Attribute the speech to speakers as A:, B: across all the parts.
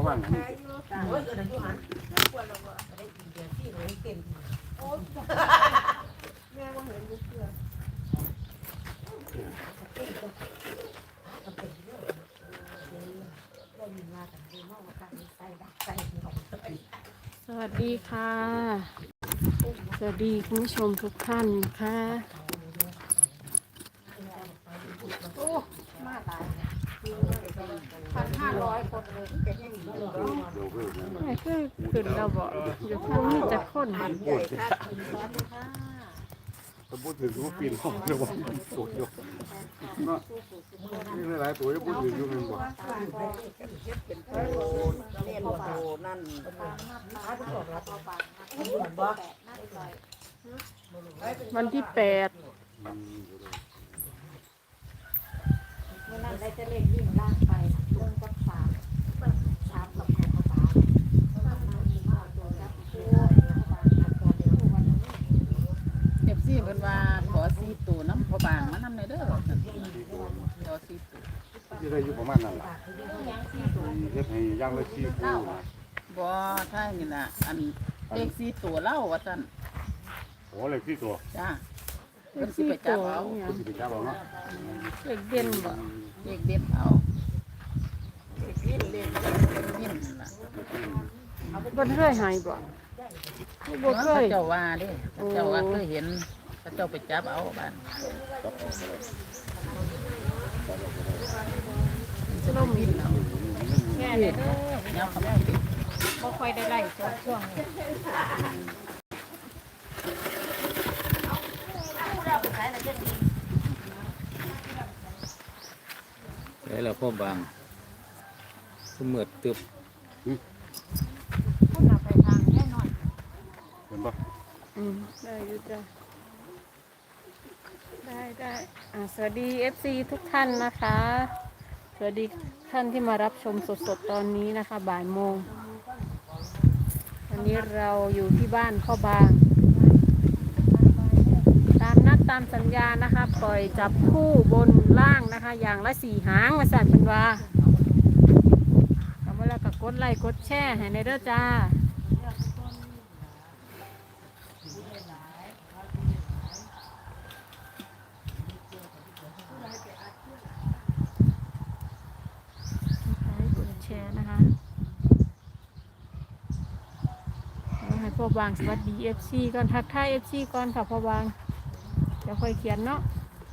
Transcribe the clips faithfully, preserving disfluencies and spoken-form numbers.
A: ว่างนี่
B: โอ้ยเอออยู่หันควรเราก็ได้กินเดือนที่เลยเต็มโอ้แม่ว่าเห็นลูกเสือ
C: สวัสดีค่ะสวัสดีคุณผู้ชมทุกท่านค่ะ
B: โอ้มาตายพันห้าร้อยคนเลยจะให้หนีเลย
C: ไม่คือขึ้นเราบอกอยู่ข้างนี้จะค้น
B: มันใหญ่ครับซ้อนเลยค่ะ
A: ถ้าพูดถึงว่าปีนห้องเลยว่าสวยอยู่เนาะนี่หลายๆตัวจะพูดถึงอยู่หนึ่งบ่
B: เล่นโอ้นั่นบ่
C: วันที่แปด
B: เมื่อนั้นได้จะเล่นวิ่งล่างไปลงกับสามสามกับแปดกับสาม
D: เอฟซีเพิ่นว่าขอซีตูน้ำพอบางมานำในเด้อซั่นขอซีตู
A: ที่ได้อยู่ประมาณนั้นล่ะเฮ็ดให้ย่างละสี่คู่
D: บ่ถ้านี่น่ะอันเลขซีตูเล่าว่าซั่น
A: โอ้เลยที่ตัว
D: จ้าเพิ่นสิไปจับเอา
C: เนี่ย
A: คุณสิไปจับเอาเนาะ
C: เด็กเด่นบ่
D: เลขเด็ดเอา
B: วิ่งเล่น
D: นี่นั่นล่ะ
C: บ่เคยหายบ่บ่เค
D: เขา
C: ย
D: เจ้าว่าเด้เขาเจ้าว่าเคยเห็นเขาเจ้าไปจับเอาบ้าน
C: จะลมหินเอา
D: แม่เด้อยับเขาแม่ติด
C: บ่ค่อยได้ไล่ช่วงนี้
E: แล้วเราพ่อบางก็เหมือดตึบ
C: คนน่ะไปทางแน่นอน
A: เห็นบ่
C: อืมได้อยู่จ้ะได้ได้อ่าสวัสดี เอฟ ซี ทุกท่านนะคะ สวัสดีท่านที่มารับชมสดๆตอนนี้นะคะบ่ายโมงวันนี้เราอยู่ที่บ้านพ่อบาง ตามนัดตามสัญญานะคะ ปล่อยจับคู่บนล่างนะคะ อย่างละสี่หางมาสั่นเป็นว่าทำเวลากับกดไลค์กดแชร์ให้ในเด้อจ้ากดแชร์นะคะให้พ่อบางสวัสดี เอฟ ซี ก่อนทักทาย เอฟ ซี ก่อนค่ะพ่อบางเดี๋ยวค่อยเขียนเนาะ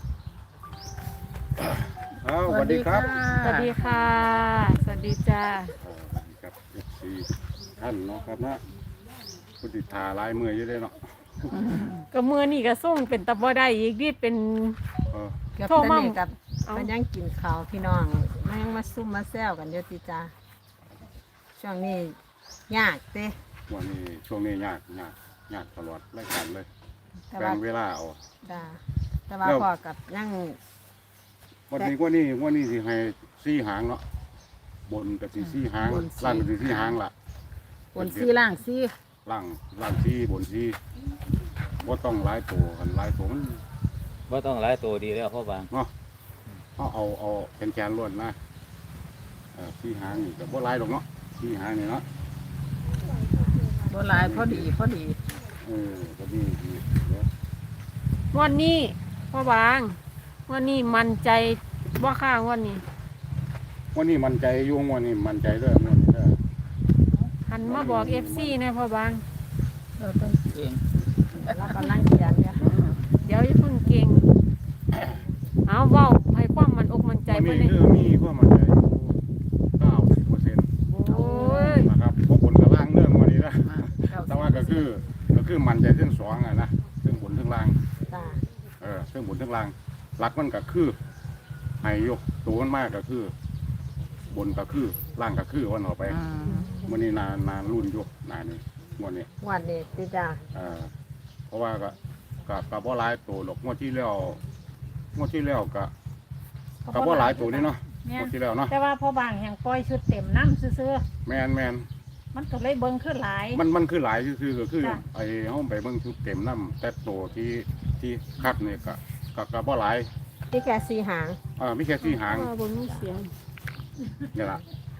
A: อ้าวสวัสดีครับ
C: สวัสดีค่ะ สวัสดีจ้า
A: สวัสดีครับ เอฟ ซี ท่านเนาะครับนะผู้ติดทาลายมืออยู่ได้เนาะ
C: ก็มือนี่ก็ส่งเป็นตะบ่ได้อีกนี่เป็น
A: เออ
F: กับ
C: โทรมา
F: ตะนี่กับ
C: เอา
F: มันยังกินข้าวพี่น้องมันยังมาซุ่มมาแซวกันเยอะติจ้าช่วงนี้ยากเต้
A: วันนี้ช่วงนี้ยากยากยากตลอดรายการเลย
F: แต่
A: แบ่
F: ว่าง
A: เวลาเอา
F: จ้าแต่ว่า
A: แล้ว
F: พอกับยัง
A: วันนี้วันนี้วันนี้สิให้สี่หางเนาะบนกับสี่สี่หางล่างกับสี่สี่หางล่ะ
D: บนซีล่างซี
A: ล่างล่างสี่บนสี่ว่าต้องหลายตัวกันหลายตัวมัน
E: ว่าต้องหลายตัวดีแล้วพ่อบาง
A: เนาะเอาเอาเอาแขนแขนล้วนนะเออสี่หางนี่ก็บ่หลายดอกเนาะสี่หางนี่เนาะ
D: บ่หลายพอดีพอดี
A: เออก็ดีดีเดี๋ยว
C: งวันนี้พ่อบางงวันนี้มันใจว่าข้างวันนี้
A: วันนี้มันใจอยุ่งวันนี้มันใจเด้อวันนี้เด้อ
C: หันมาบอก เอฟ ซี นะพ่อบาง
D: เราต้องเก่ง
F: เรากำลังเขียนเนี่ย
C: เดี๋ยวอย่าเพิ่งเก่ง เอาเว้าให้ความมันอกมันใจ
A: วัน
C: เพื่
A: นี้
C: อนเลย
A: คือมีความมันใจเก้าสิบเปอร์เซ็นต์
C: โอ้ย
A: นะครับเพราะผลกระล่างเรื่องวันนี้นะ
D: มาเก้า
A: แต่ว่าก็คือก็คือมันใจเรื่องสองอะนะเรื่องบนเรื่องล่าง
F: จ้า
A: เออเรื่องบนเรื่องล่างหลักมันก็คือให้อยกตัวมันมากก็คือ บนก็คือล่างก็คือวันออกไป
D: อืม
A: วันนี้นานนานรุ่นอยกนานนี่วันนี้
F: วันนี้ติจ้า
A: เออเพราะว่าก็ก็ก็บ่หลายตัวหรอกงวดที่แล้วงวดที่แล้วก็ก็บ่หลายตัวนี่เนาะงวดที่แล้วเนาะ
C: แต่ว่าพ่อบางแห่งปล่อยชุดเต็มน้ำซื่อ
A: แมนแมน
C: ๆมันก็เลยเบิ่งขึ้นหลาย
A: มันมันคือหลายคือก็คือ
C: จ้ะ
A: ไอ้ห้องไปเบิ่งชุดเต็มน้ำแต่ตัวที่ที่คัดนี่ก็ก็ก็บ่หลาย
F: ที่แค่สีหาง
A: อ่ามีแค่สี่หาง
C: เพระว่บนมีเสียง
A: นี่ล่ะ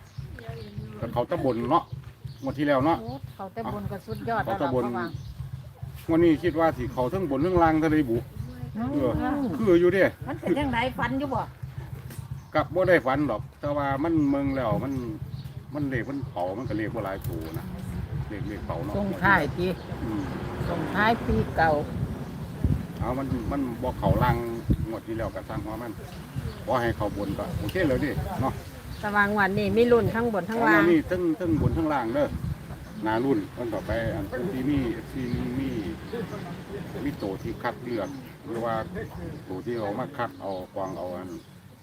A: ก็เขาตะบนเนาะงวดที่แล้วเนาะ
C: โอ้เขาแต่บนก็สุดยอด
A: เขา
C: แล้ว
A: ตะ
C: ล่ะ
A: บน
C: พ่อบาง
A: งวันนี้คิดว่าสิเขาทั้งบนทั้งล่างทะเลบุเออคืออยู่เด้
C: มันเป็นจังไดฟันอยู่บ่
A: กับบ่ได้ฝันหรอก แต่ว่ามันเมืองแล้วมันมันเลขมันเผามันก็เลขบ่หลายตัวนะเลขเลขเผาเนาะ
D: ส่งท้ายปี
A: อืม
D: ส่งท้ายปีเก่า
A: เอามันมันบ่เขาล่างงวดที่แล้วก็สร้างหัวมันบ่ให้เขาบนก็โอเคเลยดิเนาะ
F: สว่างวันนี้มีรุ่นทั้งบนทั้งล่าง
A: นี่ทั้งทั้งบนทั้งล่างเด้อหนารุ่นวันต่อไปอันที่มีที่มีมีโตที่คัดเลือกหรือว่าโตที่เอามาคัดเอากวางเอาอัน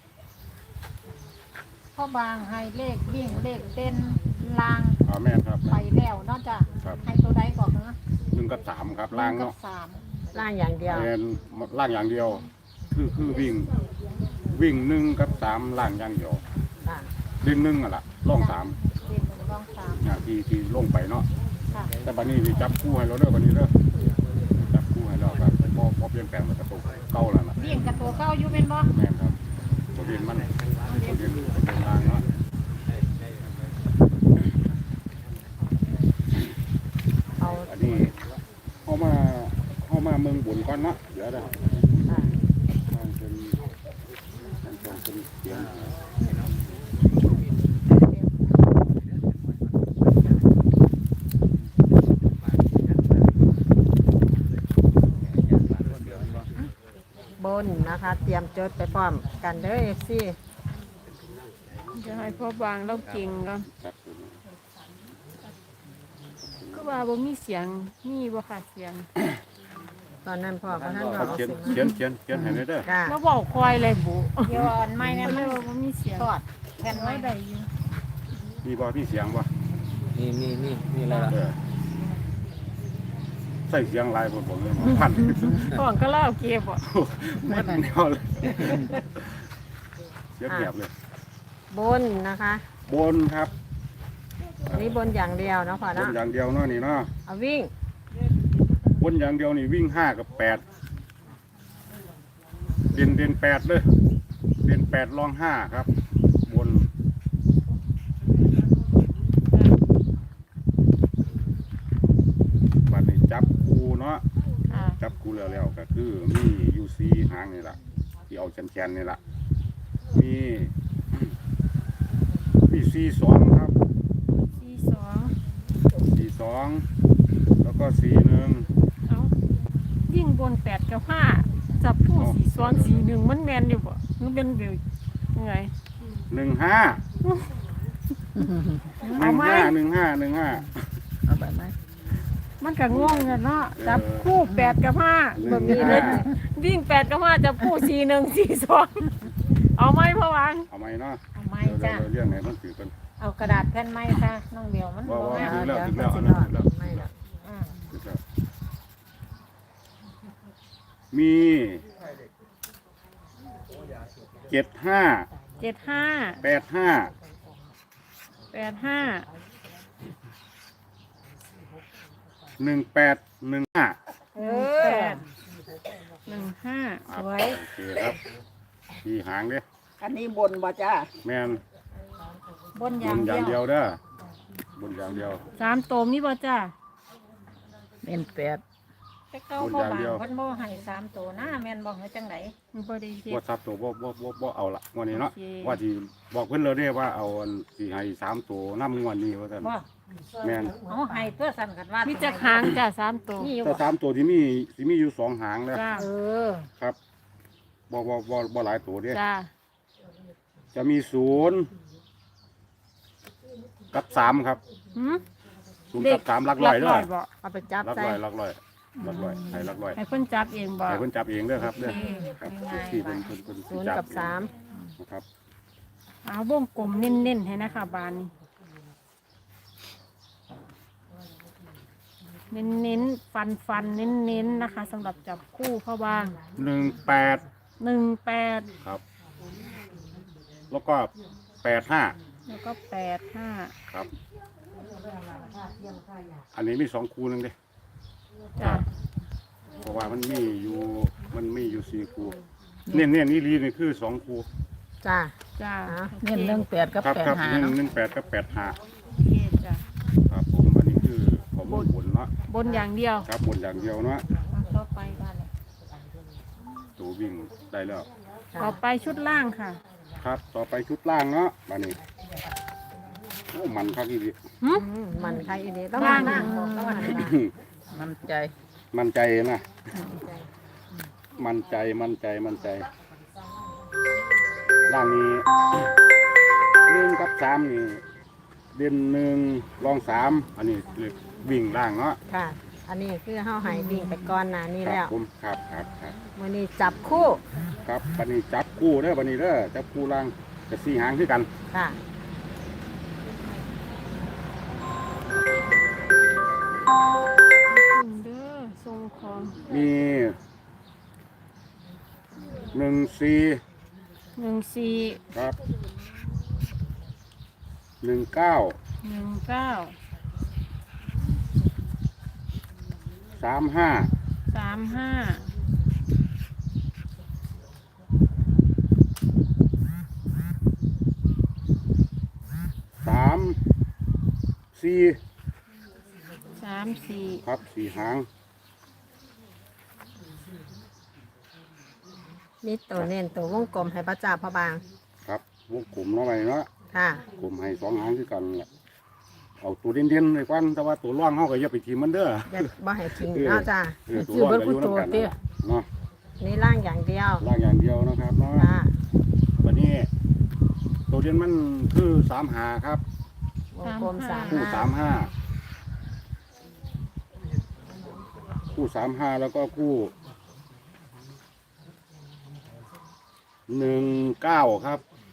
C: พ่อบางให้เลขวิ่งเลขเต้นลาง
A: อ่าแม่นครับ
C: ไปแล้วเนาะจ้ะ
A: ครับ
C: ให้ตัวใดก่อนนะ
A: หนึ่งกับสามครับล่าง
C: หนึ่
A: เนาะ
C: กับสาม
F: ล่างอย่างเดียว
A: เป็นล่างอย่างเดียว คือคือวิ่งวิ่งหนึ่งกับสามล่างอย่างเดียว
F: ค่ะ
A: เล่นหนึ่งอ่ะล่ะล่องสาม
C: เด่นหนึ่งรองสาม
A: เนี่ยที่ที่ลงไปเนาะ
C: ค่ะ
A: แต่บัดนี้สิจับคู่ให้เราเด้อบัดนี้เด้อจับคู่ให้เราครับพอพอเปลี่ยนแปลงมันกระตุกเก่าแล้วนะ
C: วิ่งกับตัวเก้าอยู่เป็นบ่
A: แม่นครับตัวเรียนมันตัวเรียนตัวเรียนล่างเนาะ
F: เอา
A: อันนี้เข้ามาเข้ามาเมืองบุญก่อนเนาะเดี๋ยวนะ
F: ค่ะ
A: มันเป็นมันต้องเป็นเสียง
F: บนนะคะ เตรียมจดไปพร้อมกันเด้อเอฟซี
C: จะให้พ่อบางเราเก่งก่อน
A: ครับ
C: ก็ว่าบ่มีเสียงมีบ่ขาดเสียง
F: ตอนนั้นพ่อพระท่าน
A: ค
F: บอ
A: รั
F: ก
A: บ
F: เอา
A: เขียน
F: สิ
A: เขียนเขียนเขียนให้ได้เด้อ
F: ค่ะ
C: มาบอกคอยเลยบุ
B: เดี๋ยวอันใหม่เนี่ย
C: ก็เล
B: มัน
C: ยว่าบ่มีเสียง
B: ทอดแผ่นไว้
C: ไว้ได้อยู่
A: มีบ่มีเสียงบ่
E: มีมีมีมีอะไรล่ะ
A: เออใส่เสียงหลายผมผมเลยพัน
C: ก่อนก็เล่าเก็บบ่
A: มันแนวเลยเสียงแหบเลย
F: บนนะคะ
A: บนครับ
F: อันนี้บนอย่างเดียวเนาะพ่อบ
A: น
F: เนาะ
A: อย่างเดียวเนาะนี่เนาะ
F: เอาวิ่ง
A: บนอย่างเดียวนี่วิ่งห้ากับแปดเด่นเด่นแปดเลยเด่นแปดรองห้าครับ บนบัดนี้จับคูเนาะ
C: ค่ะ
A: จับคูแล้วแล้วก็คือมียูซีหางนี่แหละที่เอาแขนๆนี่แหละมีมีซีสองครับ
C: สี่สอง
A: ซีสองแล้วก็ซีหนึ่ง
C: เอายิ่งบนแปดกับห้าจับผู้
A: อ๋อ
C: สี่สองสี่หนึ่งมันแมนอยู่บ่มันเป็นเบลยังไง
A: หนึ่งห้าหนึ่งห้าหนึ่งห้าหนึ่งห้า
D: เอาแบบไหม
C: มันก็งงกันเนาะจับคู่แปดกับห้า
A: หนึ่ง
C: มีเล
A: ห้าย
C: วิ่งแปดกับห้าจับคู่สี่หนึ่งสี่สองเอาไหมพ่อวาง
A: เอาไหมเนาะ
C: เอาไหม
A: เดี๋ยว
C: จ้ะ
A: เราเรื่องไหนมันถือกัน
C: เอากระดาษแผ่นไม้ค่ะน้องเดียวมัน
A: ว่า
C: บ่
A: ว่า
C: แม่น
A: ถึงแล้วถึง
F: เดี๋
A: แล้
F: ยว ว
A: อัน
F: จะ
A: นั้นถึงแล้ว
F: ไม่หรอก
C: อ่า
A: ถึงแล้วมีเจ็ดห้า
C: เจ็ดห้า
A: แปดห้า
C: แปดห้า
A: หนึ่งแปดหนึ่งห้า
C: หนึ่งแปดหนึ่งห้า
A: สวยโอเคครับที่หางเด้
D: อันนี้บนบ่จ้า
A: แม่น
C: บนอบ
A: น
C: ย่าง
A: อย่าง
C: เดี
A: เดี
C: ย
A: ยว วเด้อ บนอย่างเดียว
C: สามโตมีบ่จ้า
D: เป็นแปด
C: แต่เก้าพ่อบางเพิ่นบ่ให้สามโตนะแม่นบ่ให้จังไดมันบ่ได้เฮ็
A: ว่า
C: ด
A: ซับตัวบ่บ่บ่บ่เอาละงวันนี้เนาะ
C: โอเค
A: ว่าที่บอกเพิ่นเลยเด้ว่าเอาอันที่ให้สามตัวน้ำงวดนี้ว่าซั่น
C: บ่
A: แม่น
B: เอาให้เพื่อสั่นกันว่า
C: มีจักหางจ้าสามโต
B: มีอยู่
A: แต่สามตัวที่มีที่มีอยู่สองหางแล้ว
C: จ้า
F: เออ
A: ครับบ่บ่บ่บ่หลายตัวเด้
C: จ้า
A: จะมีศูนย์กับสามครับ
C: หืม
A: ศูนย์กับสามหลักร้อยเด้อ
C: บ่
F: เอาไปจับ
A: หลัก
F: ใส่
A: ร้อยหลักร้อยหลักร้อยให้หลักร้อย
C: ให้เพิ่นจับเองบ่
A: ให้เพิ่นจับเองเด้อครับเด้อครับ
C: ง่ายๆ
A: ที่เพิ่นเพิ่นเพิ่น
F: ศูนย์
A: จั
F: กับสาม
A: นะครับ
C: เอาวงกลมเน้นๆให้นะคะบานนี้เน้นๆฟันฟันๆเน้นๆนะคะสำหรับจับคู่พ่อบาง
A: หนึ่งแปด
C: หนึ่งแปด
A: ครับ แล้วก็แปดห้า
C: แล้วก็แปดห้า
A: ครับ อันนี้มีสองคูหนึงเด้
C: จ้ะ
A: เพราะว่ามันมีอยู่มันมีอยู่สี่คูเนี่ยเนี่ยนี่ลีนี่คือสองคู
F: จ้า
C: จ้า
F: อ่ะ
D: เน้นหนึ่งแปดกับ
A: ครับ
D: แปด
A: ครับ
D: หา
A: หนึ่ง
D: เนาะ
A: หนึ่งแปดกับแปดห้า
C: โอเคจ้ะ
A: ครับผมอันนี้คือข้อมูลบนเนาะ
C: บนอย่างเดียว
A: ครับบนอย่างเดียวเนาะ
C: ต่อไปบ้านเลย
A: ตัววิ่งได้แล้ว
C: ต่อไปชุดล่างค่ะ
A: ครับต่อไปชุดล่างเนาะมานี่โอ้มันครับอีก
F: อืมมันใครอีนี่ต้อง
C: ล่าง
F: ล่างบอกต้องหันล่าง
D: มันใจ
A: มันใจนะมันใจมันใจมันใจล่างนี้หนึ่งกับสามนี่เด่นหนึ่งรองสามอันนี้คือวิ่งล่างเนาะ
F: ค่ะ อันนี้คือเฮาใหายวิ่งไปก่อนหน้านี้
A: ครั
F: แล้ว
A: ผมครับครับครับ
F: มื้อนี้จับคู่
A: ครับบันนี้จับคู่เด้อบันนี้เด้อจับคู่ล่างจะสี่หางคือกัน
F: ค่ะ
C: เด้อทรงของ
A: มีหนึ่งสี่
C: หนึ่งสี่
A: ครับหนึ่งเก้า
C: หนึ่งเก้า
A: สามห้า
C: สามห้า
A: สามสี่
C: สามสี่
A: ครับสี่หาง
F: มีตัวเน้นตัววงกลมให้พระจ่าพระบาง
A: ครับวงกลมเนาะไปเนาะ
F: ค่ะ
A: กลมให้สองหางคือกันแหละเอาตัวเด่นๆเลยกวันแต่ว่าตัวร่องเขาก็อย่าไปทีมมันเด้อ
F: อย่าบ่ให้ทิ้งเนาะจ้า
A: เออตัวร่องก็อยู่น้ำกันนั่นแหละเนาะ
F: นี่ล่างอย่างเดียว
A: ร่างอย่างเดียวนะครับเนาะ
F: ค่ะ
A: วันนี้ตัวเด่นมันคือสามหาครับ
F: วงกลมสาม
A: คู่
F: ห้า
A: สามห้าคู่สามห้าแล้วก็คู่หนึ่งเก้าครับ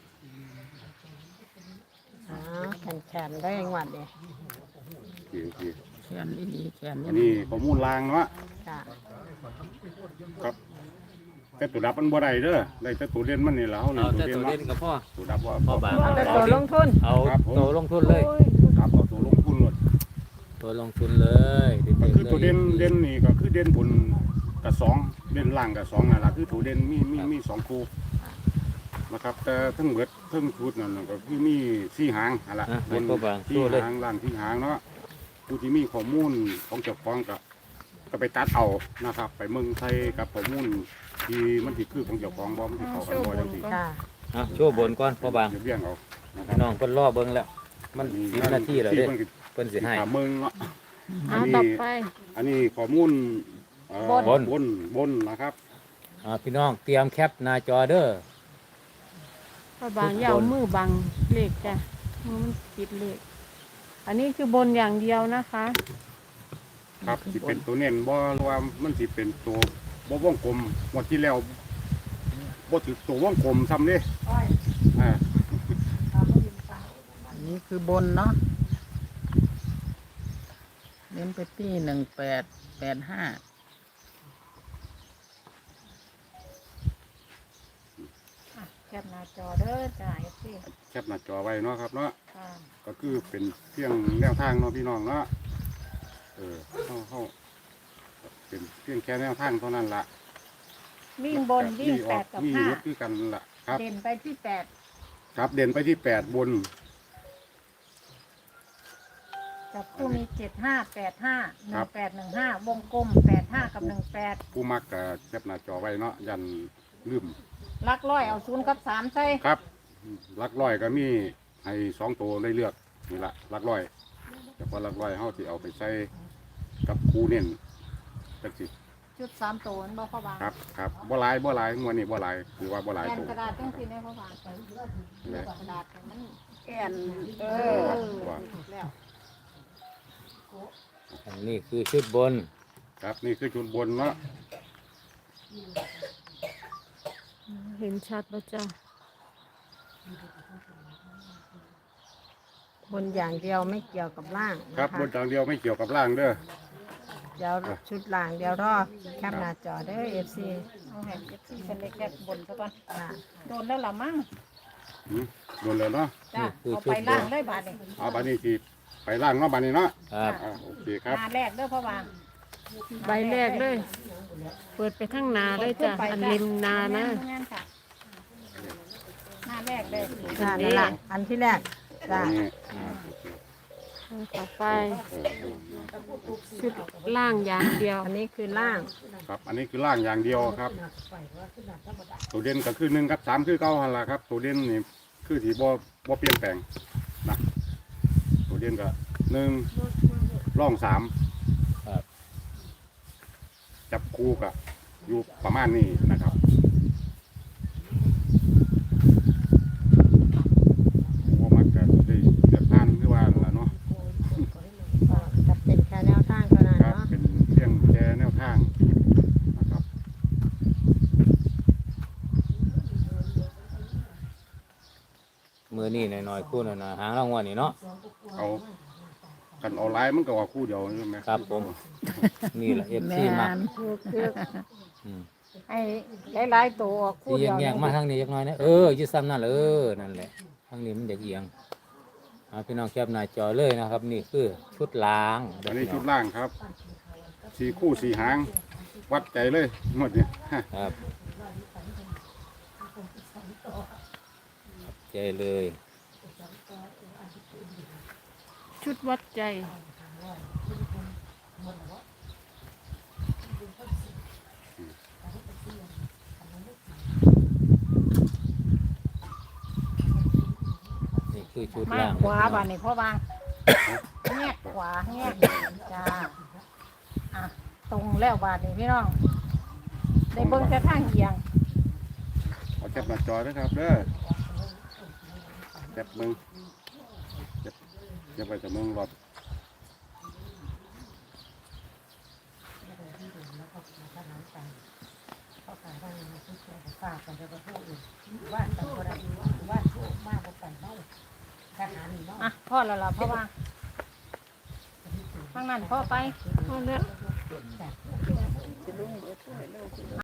F: อ๋อแขนๆได้ยังหวัดเดีย
A: โอเคโอเค
D: แขนอีดีแขน
A: อันนี้ข้อมูลลางเนาะ
F: ค่ะ
A: ครับแต่ตัวดับมันบ่ได้เด้อได้แต่ตัวเด่นมันนี่แหละเขา
E: เอา
A: เล่น
E: แต่
A: ตัว
E: ตัว
A: เด่น
E: เล่น
A: เนาะ
E: กับพ่อ
A: ตัวดับว่า
E: พ่อบาง
F: เอาแต่ตัวลงทุน
E: เอา
A: ครับผม
E: ตัวลงทุนเลย
A: ครับเอาตัวลงทุนเลย
E: ตัวลงทุนเลยเด็
A: ก็
E: ดๆ
A: คือ
E: ลย
A: ตัวเด่นเด่นนี่ก็คือเด่นบนกับสองเด่นล่างกับสองนั่นแหละคือตัวเด่นมีมีมีสองคู่นะครับแต่ทั้งเบิดทั้งชุดนั่นนะก็คือมีสี่หางอะไร
E: อ่ะ
A: บ
E: ให้
A: น
E: พ่อบาง
A: สี่
E: สู้เลย
A: หางล่างสี่หางเนาะผู้ที่มีข้อมูลของเจ้าของก็ก็ไปตัดเอานะครับ ไปเมืองไทยกับข้อมูลที่มันที่คือของเจ้าของบ่มันที่เขากันบ่จังซี่
F: ค่ะ
E: อ่ะโชว์บนก่อนพ่อบาง
A: เดี๋ยวเบี้ยงเอานะครั
E: พี่น้องเพิ่นรอเบิ่งแล้ว มันสิบนาทีแล้วเด้
A: ที่เพิ่นก็
E: เพิ่นสิให้
A: ถามเมืองเนาะ
C: เอาต่อไป
A: อันนี้ข้อมูลเอ่อบ
E: น
A: บนบนนะครับ
E: อ่าพี่น้องเตรียมแคปหน้าจอเด้อ
C: พระบางอยาวมือบังเลขจ้ะมือมันปิดเลข อันนี้คือบนอย่างเดียวนะคะ
A: ครับสิเป็นตัวเน้นบ่หรือว่ามันสิเป็นตัวบ่วงกลมงวดที่แล้วบ่ถือตัววงกลมซ้ำเด้อ่า
D: อันนี้คือบนเนาะเน้นไปที่หนึ่งแปดแปดห้า
C: อ่ะแคปหน้าจอเด้อจ้าเอฟซี
A: แคปหน้าจอไว้เนาะครับเนาะ
C: ค่ะ
A: ก็คือเป็นเพียงแนวทางเนาะพี่น้องเนาะเออเฮาเฮาเป็นเพียงแค่แนวทางเท่านั้นล่ะ
C: วิ่งบนวิ่ง
A: มีอ
C: แป
A: อก
C: ดกับ
A: มี
C: ห้า
A: ลดคือกันล่ะครับ
C: เด่นไปที่แปด
A: ครับเด่นไปที่แปดบน
C: จับคู่มีเจ็ดห้าแปดห้าห
A: ครั
C: นึ่
A: บ
C: งแปดหนึ่งห้าวงกลมแปดห้ากับหนึ่งแปด
A: ผู้มักก็แคปหน้าจอไว้เนาะยันลืม
C: ลักร้อยเอาศูนย์กับสามใส่
A: ครับลักร้อยก็มีให้สองตัวได้เลือกนี่ละลักร้อยแต่พอลักร้อยเขาที่เอาไปใส่กับคูเน้นจักสิ
C: จุดสามตัวนั่นบ่พ่อบาง
A: ครับครับบ่หลายบ่หลายงวดนี้บ่หลายคือว่าบ่หลาย
C: แอน
A: ตัว
C: กระดาษจังสีได้พ่อบางไป
A: เลย
C: กระดาษให้มัน
F: แอน
C: เอ
A: ว่า
C: แล้ว
E: อันนี้คือชุดบน
A: ครับนี่คือจุดบนเนาะ
C: เห็นชัดป่ะจ้า
F: บนอย่างเดียวไม่เกี่ยวกับล่าง
A: ครับ
F: นะ
A: บ
F: คะ
A: นทางเดียวไม่เกี่ยวกับล่างเด้อ
F: เดี๋ยวชุดล่างเดี๋ยวรอแคปหน้าจอเด้อเอฟซี
C: เอาให้เอฟซีเป็นเล็กแค่บนซะก่อน
F: ค่ะ
C: โดนแล้วล่ะมั้ง
A: หืมโดนแล้วเนาะ
C: จ้า
E: คือ
C: เอา
E: ชุ
C: ไป
E: ดบน
C: ล่างได้บาทนี่
A: เอาบัดนี้สิไปล่างเนาะบัดนี้เนาะ
E: ครับ
A: อ่าโอเคครับ
C: หน้าแรกเด้อพ่อบาง
G: ใบแรกเลย เปิดไปข้างหนาเลยจ้ะ อันริมนานะ
C: แม่นค่ะหน้า
B: แรกได้
F: จ้านั่นละอันที่แรกจ้า
A: อันนี้
C: ต่อไปชุดล่างอย่างเดียว
F: อันนี้คือล่าง
A: ครับ อันนี้คือล่างอย่างเดียวครับ ตัวเด่นก็คือหนึ่งกับสามคือเก้าหันละครับ ตัวเด่นนี่คือสีบ่บ่เปลี่ยนแปลงนะตัวเด่นก็หนึ่งร่องสาม
E: ครับ
A: จับคู่กับอยู่ประมาณนี้นะครับว่ามันก็ได้เดือดร้อนคือว่าล่ะเนาะ
F: ก็จะเป็นแค่แนวทางเท่านั้น
A: ครับ
F: เนาะ
A: เป็นเพียงแค่แนวทางนะครับ
E: มือนี่หน่อยๆคู่หน่อยๆหางรางวัลนี่เนาะ
A: เอากันออนไลน์มันก็ว่าคู่เดียวใช่ไหม
E: ครับผม นี่แหละเอฟ
D: แม
E: ซีมาน
C: คือ
E: อืม
C: ให้หลายๆตัวออกคู่
E: ที่
C: เดียว
E: แยกๆมาทางนี้จักหน่อยนะเอออยืดซ้ำนั่นเลยเออนั่นแหละทางนี้มันเด็กเอียงเอาพี่น้องแคบหน้าจอเลยนะครับ นี่คือชุดล้าง
A: อันนี้ชุดล่างครับสี่คู่สี่หาง วัดใจเลยหมดเนี่ย
E: ครับใจเลย
C: ชุดวัดใจ
E: นี่คือชุด
B: มา
E: ล่าง
B: ขวาบ้านนี่พ่อบางแงกขวาแงกจ้าอ่ะตรงแล้วบาดนี่พี่น้องได้เบิ่งแต่ทางเอียง
A: เอาจับหน้าจอนะครับเด้อจับมึงจับจับไปจับมึงรอบ
B: อ่ะพ่อแล้วล่ะพ่อบางทางนั้นพ่อไป
C: เอาเลือก